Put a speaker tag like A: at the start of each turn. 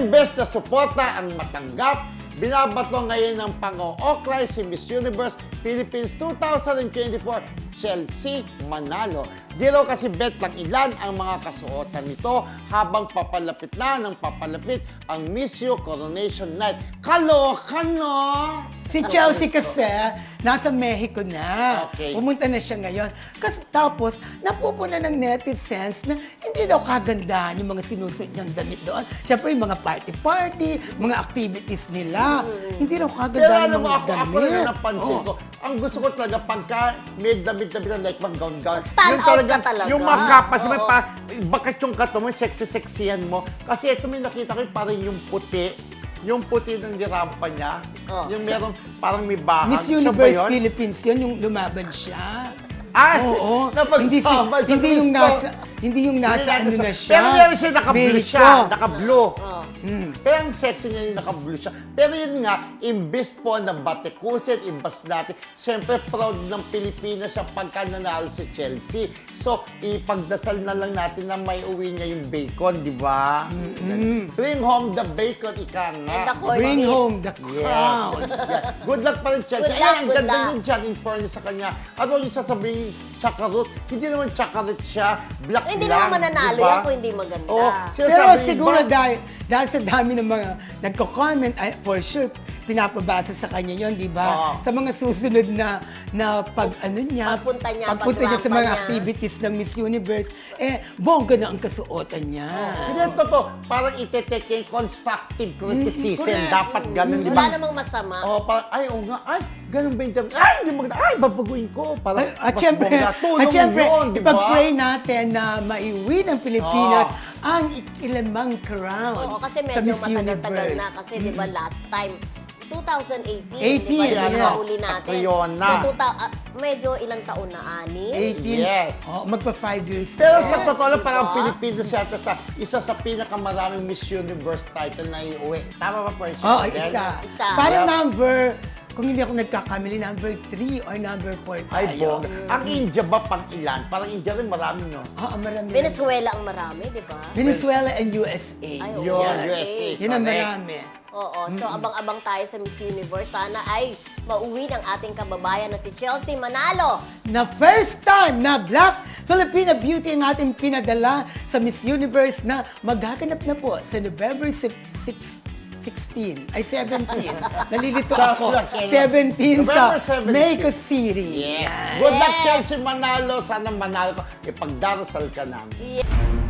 A: imbes na suporta ang matanggap, binabato ngayon ng pang-ooklay si Miss Universe Philippines 2024, Chelsea Manalo. Di raw kasi bet lang ilan ang mga kasuotan nito habang papalapit na ng papalapit ang Miss U Coronation Night. Kaloka, no?
B: Si Chelsea kasi, nasa Mexico na.
A: Okay.
B: Pumunta na siya ngayon. Kasi tapos, napupuna ng netizens na hindi daw kagandahan yung mga sinusuot niyang damit doon. Siyempre, yung mga party-party, mga activities nila. Hindi daw
A: Pero
B: kagandahan
A: alam
B: yung
A: mo,
B: mga
A: ako
B: damit.
A: na napansin ko, ang gusto ko talaga pagka may damit-damit na like mga gown-gown.
C: Stand out ka talaga.
A: Yung makapas, may
C: Oo.
A: bakit yung kato mo, sexy-sexyan mo. Kasi ito may nakita ko parang yung puti ng dirampa niya.
C: Oh.
A: Yung meron, parang may bahag.
B: Miss
A: Siya ba
B: Universe
A: yun?
B: Philippines yun, yung lumaban siya.
A: Ay,
B: Oo.
A: napagsama sa
B: hindi yung
A: gusto.
B: hindi yung nasa ano na siya.
A: Pero meron siya naka-blue
B: Mexico.
A: siya. Naka-blue.
C: Oh.
A: Pero ang sexy niya yung naka-blue siya. Pero yun nga, imbes po na batikusin, imbas natin, siyempre proud ng Pilipinas siya pagka nanalo si Chelsea. So, ipagdasal na lang natin na may uwi niya yung bacon, di ba? Bring home the bacon, ika nga.
C: And the corned
B: Bring
C: beef.
B: home the
A: Yes.
B: crown.
A: Yeah. Good luck pa rin, Chelsea.
C: Good luck,
A: Ayan, ang
C: good
A: ganda
C: luck.
A: niyo dyan, in fairness sa kanya. Ano yung sasabihin, chakarot? Hindi naman chakarot siya, black
C: Hindi
A: lang.
C: naman mananalo
A: diba?
C: yan kung hindi maganda.
A: Oo.
B: Pero
A: Sinasabi
B: siguro
A: iba,
B: dahil sa dami ng mga nagko-comment, ay, for sure, pinapabasa sa kanya yon, di ba?
A: Oo.
B: Sa mga susunod na ano niya,
C: Pagpunta niya,
B: pagpunta niya sa
C: pagrampa
B: mga
C: niya.
B: activities ng Miss Universe, bongga na ang kasuotan niya.
A: Hindi, totoo. Parang ite-take yung constructive criticism.
B: correct.
A: Dapat ganun, di
C: Wala
A: ba?
C: namang masama.
A: Oo, parang, ay, oo nga, ay, ganun ba yung damit? Ay, hindi maganda. Ay, babaguhin ko. Parang,
B: At
A: mas
B: syempre,
A: bongga. Tulong yun, di ba?
B: ipag-pray natin na maiwi ng Pilipinas
A: Oo.
B: ang ikilamang crown
C: Oo, kasi
B: sa
C: medyo
B: Miss
C: matagal-tagal
B: Universe.
C: na. Kasi di ba last time, 2018,
B: 18,
C: di ba,
B: yes.
C: yung nahuli natin.
A: Catriona.
C: So, medyo ilang taon na, 6?
B: 18.
A: Yes.
B: Oh, magpa 5 years.
A: Pero
B: na.
A: sa totoo lang, parang
C: Diba?
A: Pilipinas yata sa isa sa pinakamaraming Miss Universe title na iuwi. Tama ba, Percy?
B: Oo,
A: Then,
B: isa. Parang
A: Yeah.
B: number, kung hindi ako nagkakamali, number 3 or number 4
A: Ay,
B: tayo.
A: bongga. Ang India ba pang ilan? Parang India rin marami, no?
B: Oo, marami.
C: Venezuela ang marami, di ba?
B: Venezuela and USA.
C: Ay, oo.
A: Yun,
C: Okay.
A: USA.
B: Yun ang
A: correct.
B: marami.
C: Oo, so abang-abang tayo sa Miss Universe. Sana ay mauwi ng ating kababayan na si Chelsea Manalo.
B: Na first time na Black Filipina Beauty ang ating pinadala sa Miss Universe na maghaganap na po sa November 16. Ay, 17. Nalilito
A: Sa-
B: ako.
A: kailan?
B: 17
A: November
B: sa
A: 17.
B: Mexico City.
A: Yeah.
B: Yan.
A: Good luck,
C: Yes.
A: Chelsea Manalo. Sana manalo ka. Ipagdarasal ka namin.
C: Yeah.